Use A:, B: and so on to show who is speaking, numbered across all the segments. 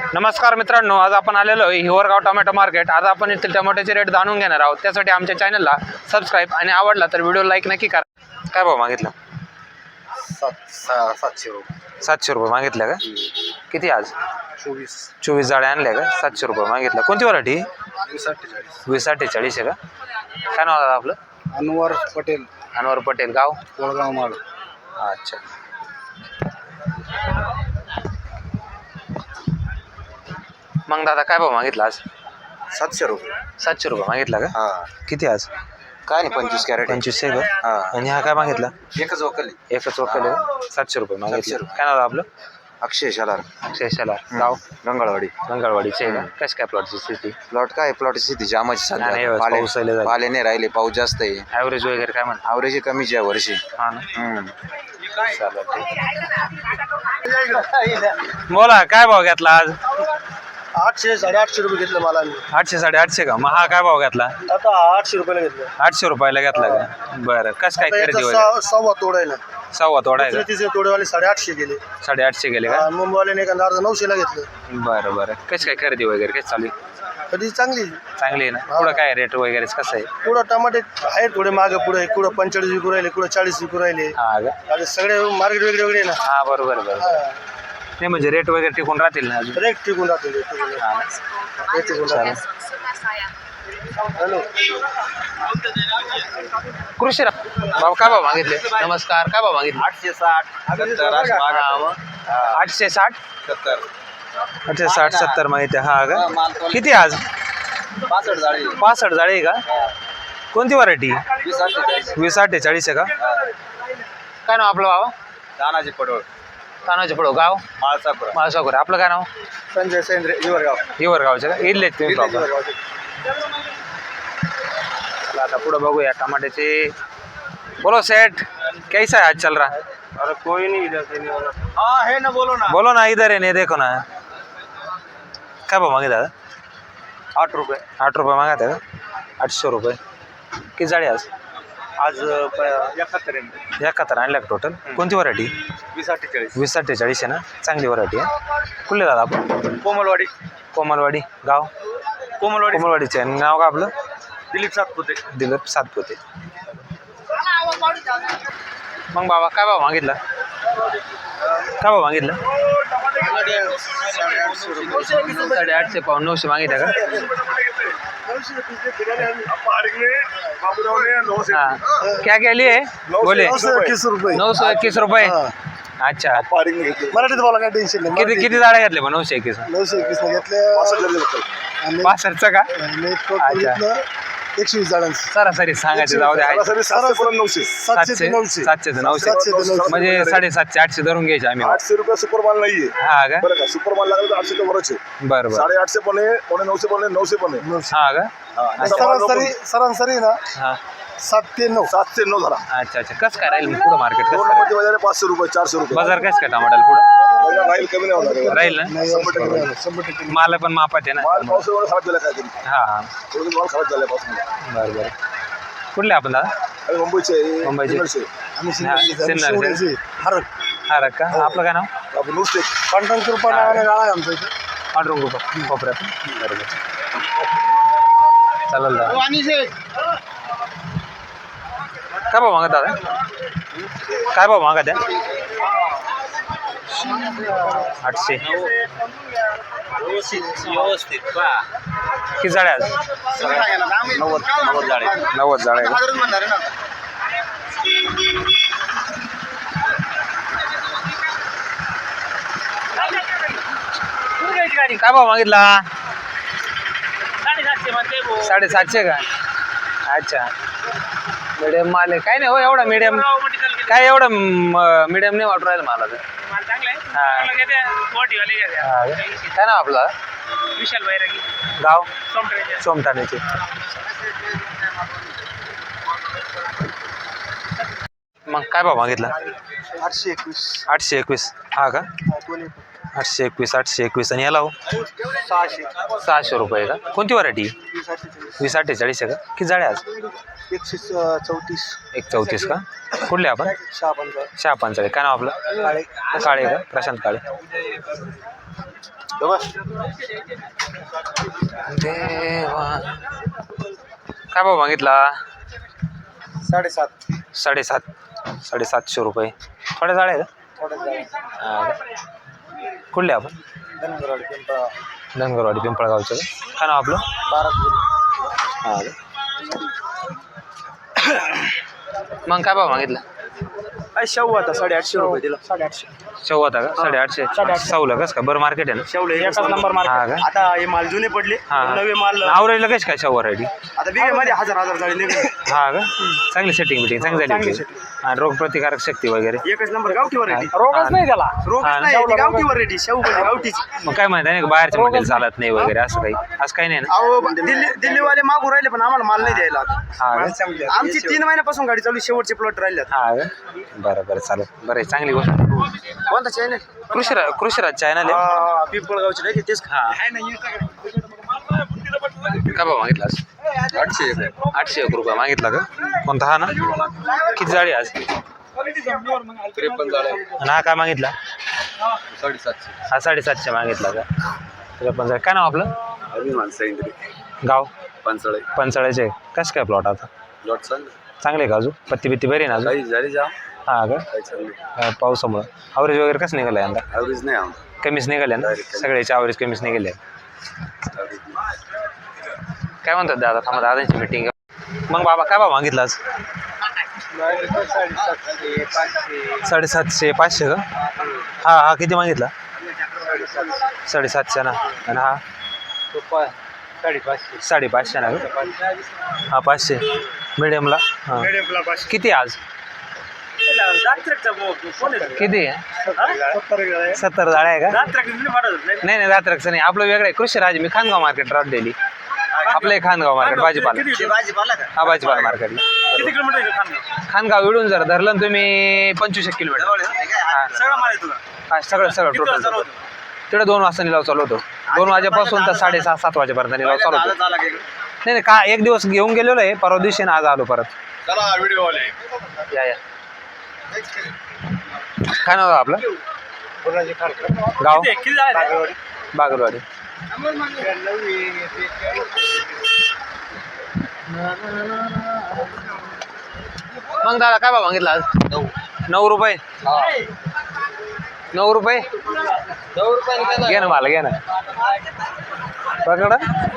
A: नमस्कार मित्रांनो, आज आपण आलेलो आहे हिवरगाव टोमॅटो मार्केट। आज आपण इथले टोमॅटोचे रेट जाणून घेणार आहोत। त्यासाठी आमच्या चॅनलला सबस्क्राइब आणि आवडला तर व्हिडिओ लाईक नक्की करा। काय भाव मागितला?
B: 700 रुपये।
A: 700 रुपये मागितले का? किती आज? 24 जाळ्या आणल्या का? 700 रुपये मागितला। कोणती व्हरायटी? 2048 आहे का? काय नाव आहे आपलं?
B: अनवर पटेल।
A: अनवर पटेल, गाव
B: कोळगाव माळ।
A: अच्छा, मग दादा काय भाव मागितला आज?
B: 700 रुपये।
A: 700 रुपये मागितला का?
B: हा,
A: किती आज?
B: काय नाही 25 कॅरेट।
A: 25 आहे का?
B: हा,
A: आणि हा काय मागितला?
B: एकच वकली।
A: एकच वकल आहे, 700 रुपये मागितले।
B: 700 रुपये।
A: काय नाव आहे आपलं?
B: अक्षय शालार।
A: शेषाला, गाव
B: गंगाळवाडी।
A: मंगळवाडीचे आहे का? कशी काय प्लॉटची स्थिती?
B: प्लॉट काय प्लॉटची स्थिती जामाची
A: नाही,
B: सध्या।
A: पाऊस आले झाले.
B: पाले नाही राहिले, पाऊस जास्त आहे।
A: ॲव्हरेज वगैरे काय म्हणता?
B: ॲव्हरेज कमीच आहे वर्षी।
A: हा ना,
B: हम्म,
A: चालेल, ठीक। बोला, काय भाव घेतला आज?
C: 800 850 रुपये घेतलं मला।
A: 800 850 का? मग हा काय भाव घेतला?
C: आता 800 रुपयाला घेतलं।
A: 800 रुपयाला घेतला का? बरं, कसं काय खरेदी वगैरे?
C: सव्वा तोडायला
A: सव्वा तोडा आहे का?
C: तिसरे तोडेवाले 850 गेले।
A: 850 गेले का?
C: मुंबईवाल्याने एका 900 ला घेतलं।
A: बरं बरं, कशी काय खरेदी वगैरे कशी चालू आहे?
C: कधी चांगली
A: चांगली आहे ना? पुढं काय रेट वगैरे कसं आहे?
C: पुढं टमाटे आहे थोडे मागे पुढे, कुठं 45 विकू राहिले, कुठं 40 विकू राहिले।
A: हा का?
C: आता सगळे मार्केट वेगळे वेगळे ना।
A: हा, बरोबर बरोबर। नाही म्हणजे रेट वगैरे टिकून राहतील ना अजून?
C: रेट टिकून राहतील।
A: हा, चालेल।
C: हॅलो,
A: कृषी भाऊ काय भाव मागितले? नमस्कार, काय भाव मागितले?
B: 860
A: 860
B: 70
A: 860 70 मागितले। हा का? किती आज?
B: 65 जाळी।
A: 65 जाळी आहे का? कोणती व्हरायटी? 2048 आहे का? काय नाव आपलं बाबा?
B: दानाजी पडोळ।
A: तानाचे पडो, गाव
B: माळसापुरा।
A: माळसाखोर। आपलं काय नाव?
C: संजय सेंद्रे, हिवरगाव।
A: हिवरगावचे का? इथलेच तुम्ही प्रॉपर? चला आता पुढे बघूया टमाट्याचे। बोलो सेठ, कैसा है आज चल रहा?
C: अरे कोई नहीं इधर से नहीं वाला। हाँ है ना, बोलो ना।
A: बोलो ना, इधर है नहीं देखो ना। काय भाव मागितला दादा?
C: 8 रुपये
A: 8 रुपये मागत आहे का? 800 रुपये। किती जाळी आज?
C: आज 71
A: 71 आणल्या का टोटल? कोणती व्हरायटी?
C: 2048
A: 2048 आहे ना? चांगली व्हरायटी आहे। कुठले दादा आपण?
C: कोमलवाडी।
A: कोमलवाडी, गाव कोमलवाडीचे आहे। नाव का आपलं?
C: दिलीप सातपुते।
A: दिलीप सातपुते। मग बाबा काय भाव मागितला? काय भाव मागितलं? 850 पाऊन 900 मागितलं का? हाँ, क्या क्या लिए? बोले
C: 921 रुपये।
A: 921 रुपये। अच्छा,
C: मराठीत बोला, काय टेन्शन नाही।
A: किती किती जाळ्या घेतले पण? 921
C: 921 ने घेतले।
A: 65 का?
C: आणि टोटल घेतलं 120 जणांचं।
A: सरासरी सांगायचं जाऊ द्या।
C: 700 ते 900
A: 700 ते 900 म्हणजे 750 800 धरून घ्यायचे आम्ही।
D: 800 रुपये सुपरमाल नाहीये
A: हा का?
D: बरं का? सुपरमाल लागला तर 800 वरच आहे।
A: बरं बरं।
D: 850 पण आहे, 950 पण आहे, 900 पण आहे।
A: हा का?
C: सरासरी ना
A: हा,
C: 7 ते 9।
D: 7 ते 9 झाला।
A: अच्छा अच्छा। कसं काय राहील पुढं मार्केट? कसं
D: दोन
A: काय
D: नंबरची बाजार आहे 500 रुपये 400 रुपये
A: बाजार कसं काय टमाट्याला पुढं
D: बाजार राहील, कमी नाही होणार आहे।
A: राहील ना?
C: 100%।
A: माल पण मापात आहे ना?
D: माल पावसामुळे खराब झाला काहीतरी,
A: हा हा,
D: थोडं माल खराब झाला पासून।
A: बरं बरं। कुठले आपण दादा?
D: आणि मुंबईचे आहे,
A: मुंबईचे.
D: पुण्याचे.
C: आम्ही
A: सिन्नर.
C: शिवण्याचे हरक
A: हा का? आपलं काय नाव?
D: आपण नुसते
C: पांढरंग कृपा नावाने गाव आहे आमचं इथे।
A: पांढरंग ग्रुप कोपऱ्यात. बरोबर, चालेल दादा। काय भाव मागत दादा? काय भाव मागत आहे? 800।
B: व्यवस्थित पा
A: किती जाळ्या आज?
B: 90 जाळी।
A: 90 जाळ्या का? काय भाव मागितला? 750 का? अच्छा, मीडियम माल आहे। काय नाही हो एवढा मीडियम, काय एवढं मीडियम नाही वाटू राहिलं मला तर। हा, काय नाव आपलं?
E: विशाल बैरागी,
A: गाव
E: सोमटणे।
A: सोमठाण्याचे। मग काय भाव मागितला?
C: 821
A: 821। हा का? 821 821। आणि याला हो? 600 रुपये का? कोणती व्हरायटी? 2048 आहे का? किती जाळ्या आज?
C: 134
A: 134 का? कुठले आपण?
C: शहापंचा
A: शहापांचाळे। काय नाव आपलं?
C: काळे
A: काळे का? प्रशांत काळे। देवा काय भाव मागितला?
C: 7.5
A: 750 रुपये. थोड्या जाळ्या आहे का? हा का? कुठले आपण? धनगरवाडी पिंपळगावचं का? काय नाव आपलं? हा का? मग काय भाव मागितला?
C: शेव आता 850 रुपये दिला. 850
A: शेव होता का? 850. साऊला कस का? बरं मार्केट आहे ना?
C: शेवले एकच नंबर
A: हा
C: मार्केट.
A: का?
C: आता हे माल जुने पडले,
A: हा.
C: नवे माल
A: आवरेजला कशी काय शेव व्हरायटी?
C: आता बिघे मध्ये हजार झाले निघले.
A: हा का? चांगली सेटिंग बिटिंग चांगली झाली होती. आणि रोग प्रतिकारक शक्ती वगैरे
C: एकच नंबर गावठी व्हरायटी.
A: रोगच नाही
C: त्याला रोग
A: हा.
C: नाही, ती गावठी व्हरायटी शेव म्हणजे गावठीच.
A: मग काय माहिती नाही का बाहेरच्या मटेरियल चालत नाही वगैरे असं काही नाही ना?
C: अहो दिल्लीवाले मागू राहिले पण आम्हाला माल नाही द्यायला आता.
A: हा का?
C: आमची 3 महिन्यापासून गाडी चालू, शेवटचे प्लॉट राहिले आता.
A: हा का? बरं चालेल. बरं आहे, चांगली गोष्ट.
C: कोणता चॅनल?
A: कृषीराज चॅनल आहे.
C: पिंपळगावचे नाही तेच खा.
A: हा काय भाव मागितला आज? 801 रुपये मागितला का? कोणता? हा ना? किती जाळी आज?
B: 53 जाळे.
A: आणि हा काय मागितला?
B: 750.
A: हा 750 मागितला का? 53. काय नाव आपलं?
B: अभिमान सैंद्री
A: गाव?
B: पंचळे.
A: पंचाळ्याचे. कसं काय प्लॉट आता?
B: लॉट सांग.
A: चांगले का अजून? पत्ती बित्ती बरी ना अजून?
B: काही झाली जा
A: हा का?
B: काही चांगली.
A: पावसामुळं ॲव्हरेज वगैरे कसं निघालं यंदा?
B: ॲव्हरेज नाही आमचं.
A: कमीच निघाले ना? सगळ्याचे ॲव्हरेज कमीच निघाले. काय म्हणतात दादा? थांबा, दादांची मीटिंग. मग बाबा काय भाव मागितला आज? 750 500 का? हा किती मागितला? 750 ना. आणि हा 550 ना का? हा 500 मिडियमला. हां किती आज? किती आहे? 70 जाळ्या आहे का? नाही दात्रकचं नाही, आपलं वेगळं आहे. कृषीराज. मी खानगाव मार्केट राहत डेली. आपलं आहे खानगाव मार्केट भाजीपाला. हा भाजीपाला मार्केटला.
E: किती किलोमीटर?
A: खानगाव इडून जर धरलं ना तुम्ही 25 किलोमीटर.
E: सगळं माल आहे तुला?
A: हा सगळं टोटल. तिकडे 2 वाजता निलाव चालू होतो. 2 वाजेपासून तर 6:30-7 वाजेपर्यंत निलाव चालू होतो. नाही का एक दिवस घेऊन गेलेलो आहे, परवा दिवशी आज आलो परत.
D: चला व्हिडिओ वाले.
A: या काय नाव आपलं? गाव?
E: किती झाले?
A: बागलवाडी. मग दादा काय भाव मागितला आज? 9 रुपये. 9 रुपये घे ना मला, घे ना पकडा.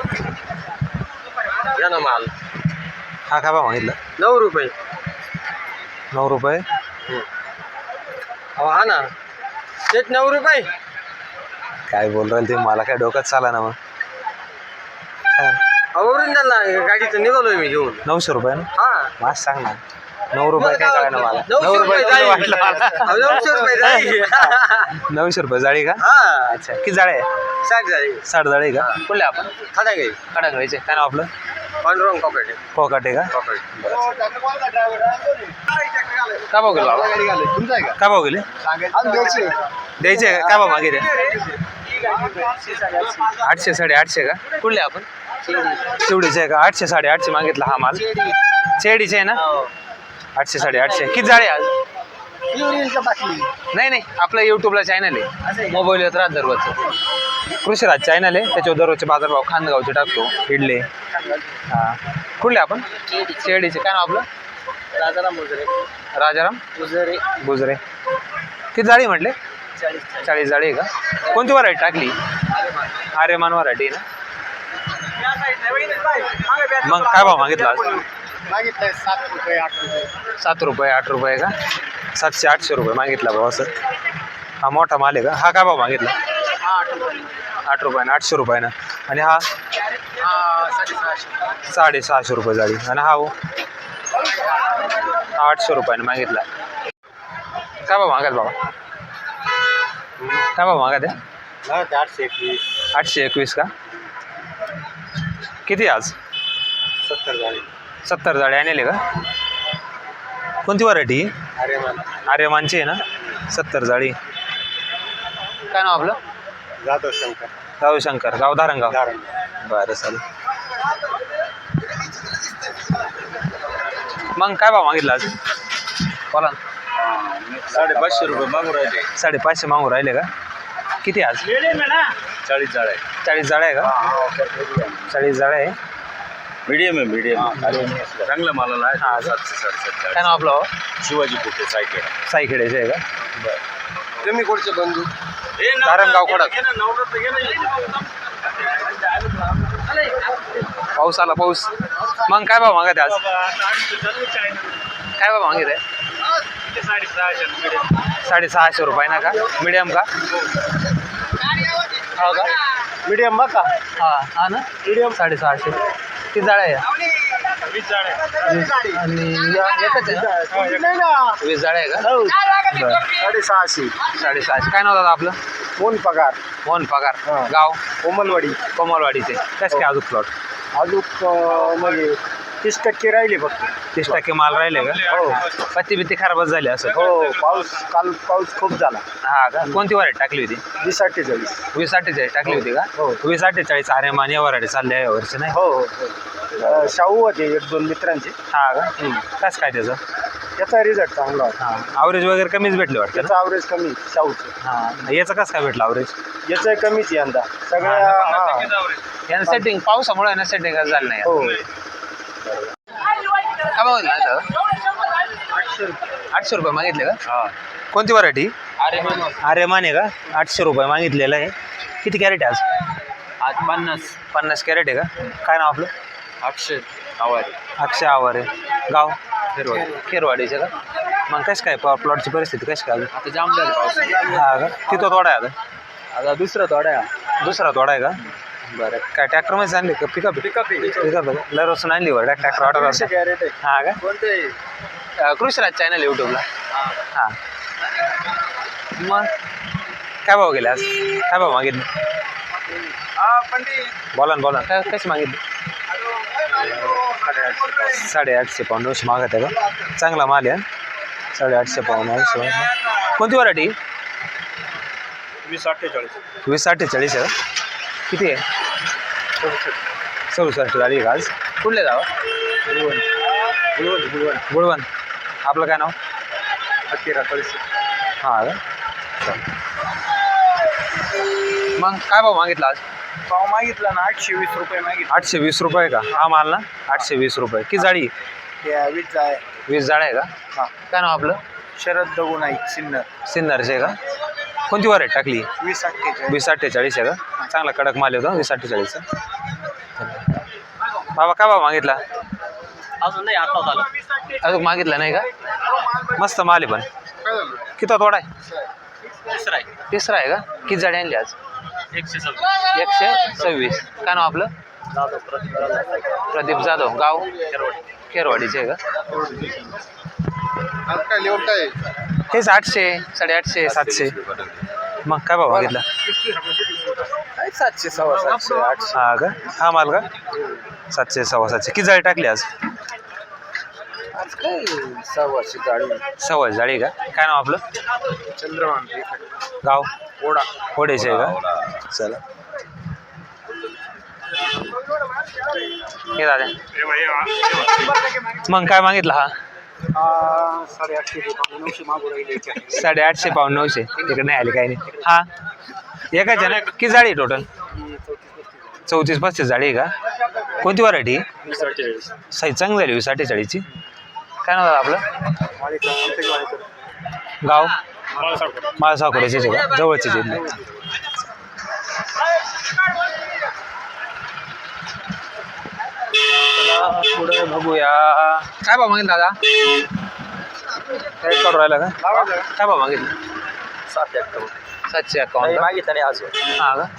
B: घ्या ना माल.
A: हा काय भाव मागितला?
B: 9 रुपये.
A: 9 रुपये.
B: हा ना तेच 9 रुपये.
A: काय बोल राहिले ते? मला काय डोक्यात चाला ना. मग
B: ओरिजिनल ना गाडीचं निघालोय मी घेऊन.
A: 900 रुपये ना?
B: हा
A: माझ सांग ना. 9 रुपये काय कळायला मला?
B: 900 रुपये
A: किती वाटलं मला?
B: 900 रुपये जाळी.
A: 900 रुपये जाळी का?
B: हा
A: अच्छा किती जाळे आहे?
B: 60 जाळी.
A: 60 जाळी का? कुठले आपण?
B: खाता काही
A: कडांगळीचे. काय नाव आपलं?
B: पांडुरंग कॉपरेटिव्ह.
A: फोकाटे का?
B: कॉपरेटिव्ह.
A: काय भाव गेले बाबा? काय भाव गेले? द्यायचे का? काय भाव मागितले? 800 850 का? कुठले आपण? शिवडीचे आहे का? 800 850 मागितला हा माल. चेडीचे आहे ना? 800 850. किती जाळे आज? नाही आपलं युट्यूबला चॅनल आहे, मोबाईल येत राहत दररोजचं. कृषीराज चॅनल आहे, त्याच्यावर दररोजचे बाजारभाव खानगावचे टाकतो. इडले. हां कुठले आपण? चेडीचे. काय नाव आपलं? राजाराम गुजरे. किती जाळी म्हटले? 40 जाळी आहे का? कोणती व्हरायटी टाकली? आर्यमान व्हरायटी ना? मग काय भाव मागितला आज? 7 रुपये 8 रुपये का? 700 800 रुपये मागितला भाऊ असं. हा मोठा माल आहे का? हा काय भाव मागितला? 8 रुपयानं 800 रुपयानं. आणि हा 650 रुपये जाळी. आणि हा हो 800 रुपयानं मागितला. काय भाव मागत बाबा? काय भाव मागत आहे? 821 का? किती आज? 70 जाळी आणले का? कोणती व्हरायटी? आर्यमानची आहे ना? 70 जाळी. काय नाव आपलं? जाधव शंकर. गाव धारणगाव. बरं चालेल. मग काय भाव मागितला आज? बोला ना.
B: 550 रुपये मागून राहिले.
A: 550 मागून राहिले का? किती आज?
C: 40 जाळ आहे.
A: 40 जाळ्या आहे का? 40 जाळ्या आहे.
C: मीडियम आहे मीडियम. चांगलं मालाला आहे.
A: हा.
C: 700-750.
A: काय नाव आपलं?
C: शिवाजी पोटे सायकल.
A: सायखेड्याचे आहे का?
B: तुम्ही कोणचे बंधू?
A: धारणगाव खडक. पाऊस आला पाऊस. मग काय भाव मागत आहे आज? काय भाव मागित आहे? 650 रुपये ना का? मीडियम का? हो का?
C: मीडियम बघा.
A: हा ना मीडियम 650. किती जाळ्या आहे? 20 आणि एकच आहे ना? 20 जाळ्या आहे का? बरं.
C: 650.
A: 650. काय नाव दादा आपलं?
C: कोण पगार?
A: मोहन पगार. गाव
C: कोमलवाडी.
A: कोमलवाडीचे. कसं काय अजून प्लॉट?
C: अजून म्हणजे 30% राहिले फक्त.
A: 30% माल राहिले का?
C: हो
A: पत्ती बित्ती खराबच झाली असं.
C: हो. काल पाऊस खूप झाला.
A: हा का? कोणती वरायटी टाकली होती?
C: 20-48.
A: 20-48 टाकली होती का?
C: हो.
A: 20-48 आर्यमान या वरायटी चालल्या या वर्षी नाही?
C: हो हो. शाहू होते 1-2 मित्रांचे.
A: हा का? कसं काय त्याचं?
C: त्याचा रिझल्ट चांगला होता.
A: हा ॲव्हरेज वगैरे कमीच भेटले वाटतं ना?
C: त्याचा ॲव्हरेज कमी शाहूचं.
A: हा याचं कसं काय भेटलं ॲव्हरेज?
C: याचं कमीच आहे यंदा सगळ्या. हा.
A: यानं सेटिंग पावसामुळे यानं सेटिंग झालं नाही.
C: हो.
A: काय भाव दिला दादा? 800 रुपये मागितले का? कोणती व्हरायटी? आर्यमान आहे का? 800 रुपये मागितलेलं आहे. किती कॅरेट आहे आज? 50 कॅरेट आहे का? काय नाव आपलं? अक्षय आवारे. गाव? खेरवाडीचे का? मग कसं काय प्लॉटची परिस्थिती कशी काय?
B: आता जाम झालं पाऊस.
A: हा का? किती तोडा आहे आता?
B: आता दुसरा थोडा आहे.
A: दुसरा तोडा आहे का? बरं. काय ट्रॅक्टरमध्ये आणली का? पिकअप लरसून आणली बरं ट्रॅक्टर ऑर्डर.
C: कॅरेट आहे.
A: हा का?
B: कोणते?
A: कृषीराज चॅनल यूट्यूबला. हां मग काय भाव गेले आज? काय भाव मागितले? बोला ना काय कशी मागितली? 850 पाऊंड 900 मागत आहे का? चांगला माल आहे. 850 पाऊंड 900. कोणती व्हरायटी? 20-48 आहे का? किती आहे? 67 झाली का आज? कुठले जावं? गुळवण. आपलं काय नाव? हां का? मग काय भाव मागितला आज?
C: पाव मागितला ना 820 रुपये मागितले.
A: 820 रुपये का? हा माल ना 820 रुपये. किती जाळी?
C: 20 आहे.
A: 20 जाळ्या आहे का?
C: हां.
A: काय नाव आपलं?
C: शरद दगू नाही सिन्नर.
A: सिन्नरचे का? कोणती व्हरायटी टाकली?
C: 20-48.
A: 20-48 आहे का? चांगला कडक माल येतो 20-48. बाबा काय भाव मागितला?
B: अजून नाही आता झालं.
A: अजून मागितला नाही का? मस्त माल आहे पण. किती तोडा आहे? तिसरा आहे का? किती जाळी आणली आज? 126. काय नाव आपलं? प्रदीप जाधव. गाव? खेरवाडीचे आहे का? हेच 800, 850, 700. मग काय भाव मागितला?
C: 700, 700, 800.
A: हा का? हा माल का? 700, 750. किती जाळी टाकली आज?
C: आज काय 600 जाळी.
A: 6 जाळी का? काय नाव आपलं?
C: चंद्रभान.
A: गाव?
C: ओढा.
A: ओढेचे आहे का? चला हे दादा. मग काय मागितलं हा?
C: 850 मागू राहिले.
A: 850 पाऊंड 900. तिकडे नाही आले काही नाही. हा एकाच आहे ना? किती जाळी टोटल? 34-35 जाळी आहे का? कोणती व्हरायटी? साईज चांगली झाली 20-48ची. काय नाव आपलं? गाव? माळसाकोड्याचे का? जवळचे जिल्हे. पुढे बघूया. काय भाव मागितला दादा? काय करू राहिला का? काय भाव मागितलं? 751
B: मागितलं नाही अजून.
A: हा का?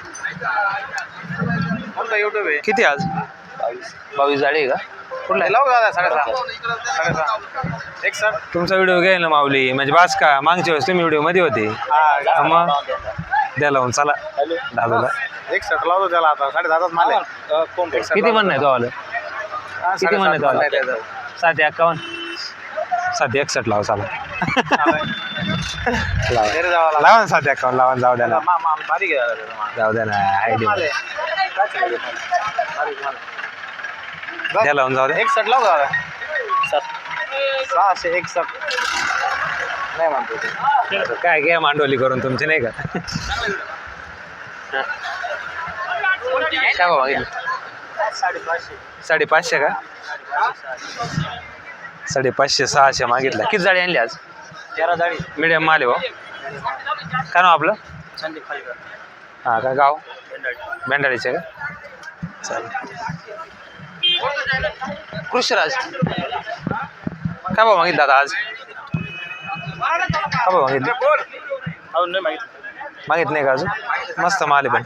B: कोणता युट्यूब आहे?
A: किती आज? 22 जाळी आहे का? कुठला आहे?
B: लावू दादा 6.5.
A: तुमचा व्हिडिओ घ्याय ना माऊली म्हणजे बास का? मागच्या वेळेस तुम्ही व्हिडिओ मध्ये होते. मग द्या लावून चला दादाला.
C: 61 लावतो त्याला आता 10.5 माल आहे.
A: किती म्हणणं आहे तो आलं? किती म्हणणं आहे तो आलं? 751. 761 लावा चला. लावा ना 751 लावा. जाऊ द्या ना.
C: बारीक आहे
A: जाऊ द्या ना. आयडिया द्या लावून जाऊ द्या.
C: 61 लावू दादा. 661 नाही म्हणतो ते.
A: काय घ्या मांडवली करून तुमची नाही का? काय भाव मागितलं? 550 का? 550 600 मागितलं. किती जाळी आणली आज?
B: 13 जाळी.
A: मीडियम माल आहे भाऊ. काय नाव आपलं?
B: संदीप खालीकर.
A: हां का गाव बेंडाळीचे का? चालेल. कृषीराज काय भाव मागितला आता आज? काय भाव मागितलं?
E: अजून नाही माहिती.
A: मागित नाही का अजून? मस्त माल आहे पण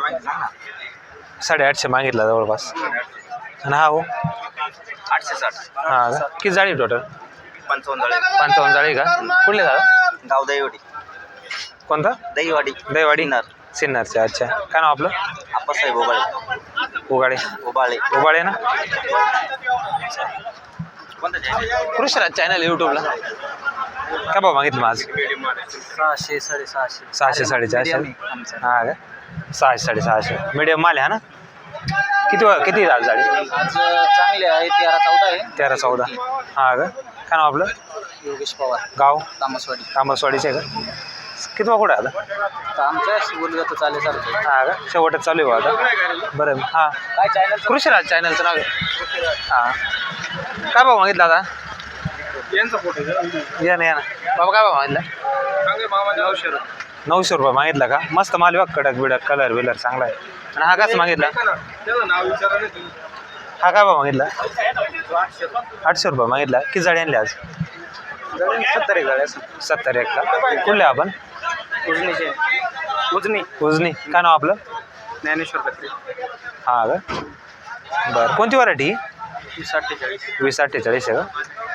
A: 850 मागितला जवळपास. आणि हा हो
B: 860.
A: हां का? किती जाळी टोटल?
B: 55 जाळी.
A: 55 जाळी का? कुठले दादा?
B: गाव दहीवाडी.
A: कोणता?
B: दहीवाडी.
A: दहीवाडी सिन्नरचे. अच्छा. काय नाव आपलं?
B: आप्पासाहेब ओबाळे.
A: उगाडे उबाळे ना? कृषीराज चॅनल यूट्यूबला. काय भाव मागितलं मग आज?
B: 600 650.
A: 600 450. हां का? 600 650 मीडियम माल आहे हा ना? किती आज जाळी?
B: आज चांगले आहे 13 14 आहे.
A: 13 14. हां का? काय नाव आपलं?
B: योगेश पवार.
A: गाव
B: तामसवाडी.
A: तांबसवाडीचे आहे का? किती कुठे आता?
B: तर आमच्या बोललं तर चालेल चालतं.
A: हां का? शेवटच चालू आहे आता. बरं हां.
B: काय चॅनल?
A: कृषीराज चॅनलचं नाव आहे. हां. काय भाव मागितला आता?
E: यांचा फोटो
A: या ना बाबा. काय भाव मागितला? 900 रुपये मागितला का? मस्त माल बघ. कडक बिडक कलर बिलर चांगला आहे. आणि हा कसा मागितला?
E: त्याचं नाव विचारा नाही तुम्ही.
A: हा काय भाव मागितला? 800 रुपये मागितला. किती जाळी आणली आज?
B: 70 जाळ्या.
A: 70 का? कुठले आपण? उजनी. काय नाव आपलं?
B: ज्ञानेश्वर पत्रे.
A: हां का? बरं. कोणती व्हरायटी?
B: 48.
A: 2048 आहे का?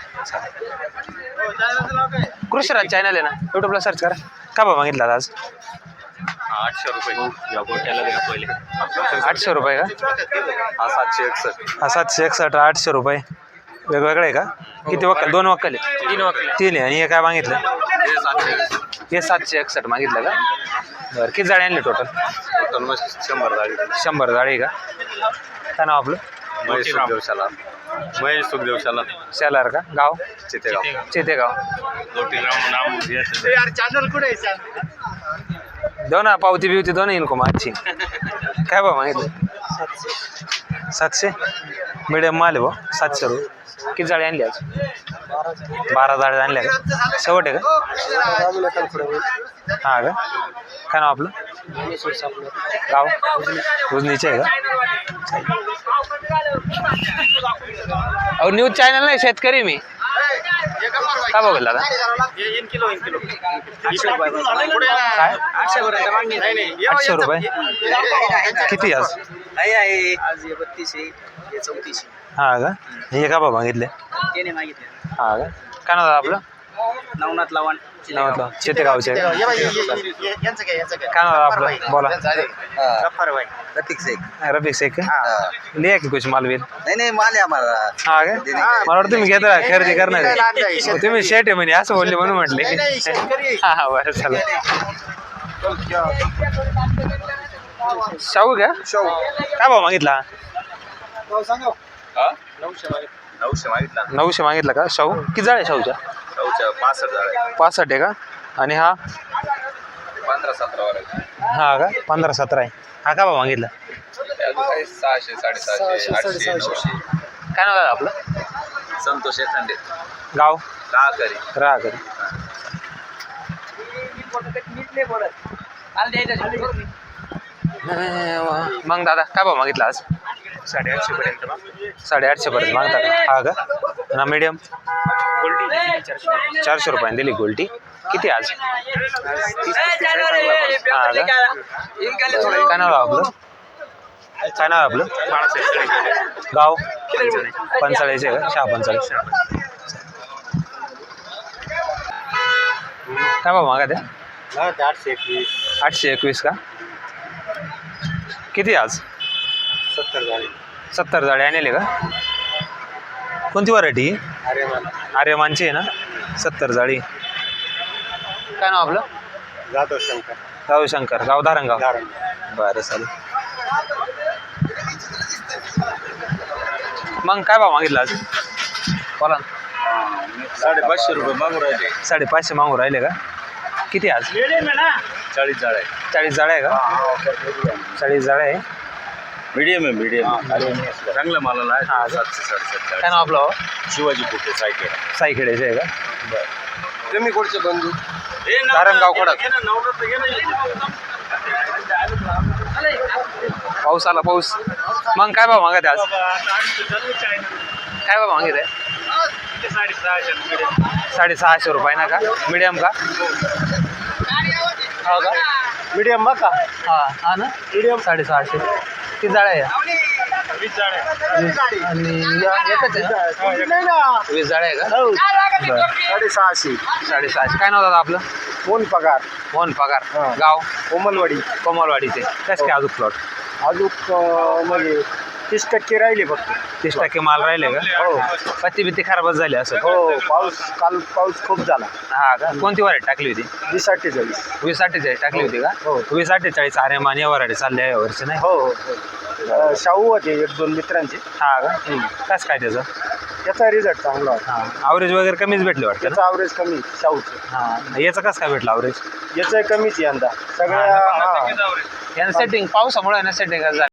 A: कृषीराज चॅनल आहे ना, यूट्यूबला सर्च करा. काय भाव मागितला आज?
B: 800 रुपये. या गोट्याला द्या पहिले.
A: 800 रुपये का?
B: हा 761.
A: हा 761. 800 रुपये वेगवेगळे आहे का? किती वक्कल? 2 वक्कल आहे?
B: 3 वक्कल.
A: 3 आहे. आणि हे काय मागितलं? हे 761 मागितलं का? बरं. किती जाळी आणली टोटल?
B: 100 जाळी.
A: 100 जाळी का? काय नाव आपलं?
B: महेश सुखदेव शाला.
A: शेलार का? गाव?
B: चितेगाव.
A: चितेगाव.
E: यार चॅनल कुठे आहे?
A: देऊ ना पावती बिवती दोन येईल को आजची. काय भाव मागितलं? 700 मीडियम माल आहे भाऊ. 700 रुपये. किती जाळी आणली आज? 12 जाळी आणल्या का? शेवट आहे का? हां का? काय नाव आपलं? गाव उजनीचे आहे का? अहो न्यूज चॅनल नाही, शेतकरी मी. काय बघेल दादा? काय 800 रुपये. किती आज?
B: आज 32 आहे. 34.
A: हां का? हे का भाव मागितले?
B: त्याने मागितले.
A: हां का? काय नाव दादा आपलं?
B: नवनाथ लवाण.
A: नावातलं चितेगावचे आहे का? काय नाव आपलं? बोला. रफिक शेख का? लिहा की कुछ मालवील.
B: नाही माल आहे आम्हाला.
A: हा का? मला वाटतं तुम्ही घेता खरेदी करणार आहे. तुम्ही शेट आहे म्हणे असं बोलले म्हणून म्हटले. हा हा बरं चला. शाहू का? काय भाव मागितला?
B: 900 मागितला.
A: 900 मागितला का? शाहू किती जाळ आहे शाहूच्या?
B: 65 जाळ्या.
A: 65 आहे का? आणि हा
B: 15-17 वर.
A: हा का? 15-17 आहे. हा का भाव मागितला?
B: 600 750 800 900.
A: काय नाव आहे आपलं?
B: संतोष एखांडे.
A: गाव
B: राहकरी.
A: राहकरी. मग दादा काय भाव मागितला आज?
B: 850 पर्यंत.
A: 850 पर्यंत मागता का? हा का? ना मीडियम 400 रुपयाने दिली गोल्टी. किती आज? हा का? काय नाव आपलं? काय नाव आपलं? गाव पंचाळीचे का? 645. काय भाव मागा त्या? 821 का? किती आज? 70 जाळी आणले का? कोणती व्हरायटी? आर्यमानची आहे ना? 70 जाळी. काय नाव आपलं? जाधव शंकर. गाव धारणगाव. बरं चालेल. मग काय भाव मागितला आज? बोला ना.
B: 550 रुपये मागून राहिले.
A: 550 मागून राहिले का? किती आज?
B: 40 जाळ आहे
A: 40 जाळ्या आहे का? 40 जाळ्या आहे.
B: मीडियम आहे मीडियम चांगलं मालाला आहे
A: हा.
B: 700
A: काय नाव आपलं हो?
B: शिवाजी पोटे सायकल
A: साईखेड्याचे आहे का?
C: कमी कोडचे बंधू
A: धारणगाव खडक. पाऊस आला पाऊस. मग काय भाव मागत आहे आज? काय भाव मागित आहे? 650 रुपये ना का? मीडियम का? हो का?
C: मीडियम बघ का
A: हा ना मीडियम 650. किती जाळ्या आहे? 20 आणि एकच आहे ना? 20 जाळ्या आहे का? बरं.
C: 650
A: 650. काय नाव दादा आपलं?
C: कोण पगार
A: मोहन पगार. गाव
C: कोमलवाडी
A: कोमलवाडीचे. कसं काय अजून प्लॉट?
C: अजून म्हणजे 30% राहिले फक्त
A: 30% माल राहिले का?
C: हो
A: पत्ती बित्ती खराबच झाली असं.
C: हो काल पाऊस खूप झाला.
A: हा का? कोणती व्हरायटी टाकली होती?
C: 2048
A: 2048 टाकली होती का?
C: हो.
A: 2048 अरे मान या व्हरायटी चालल्या आहे वर्ष नाही.
C: हो हो शाहू होते 1-2 मित्रांचे.
A: हा का? कसं काय त्याचं?
C: त्याचा रिझल्ट चांगला होता.
A: हा ॲव्हरेज वगैरे कमीच भेटले वाटतं ना?
C: त्याचा ॲव्हरेज कमी शाहूचं.
A: हा याचं कसं काय भेटलं ॲव्हरेज?
C: याचं कमीच यंदा सगळ्या
A: यानं सेटिंग पावसामुळे ना सेटिंग झालं.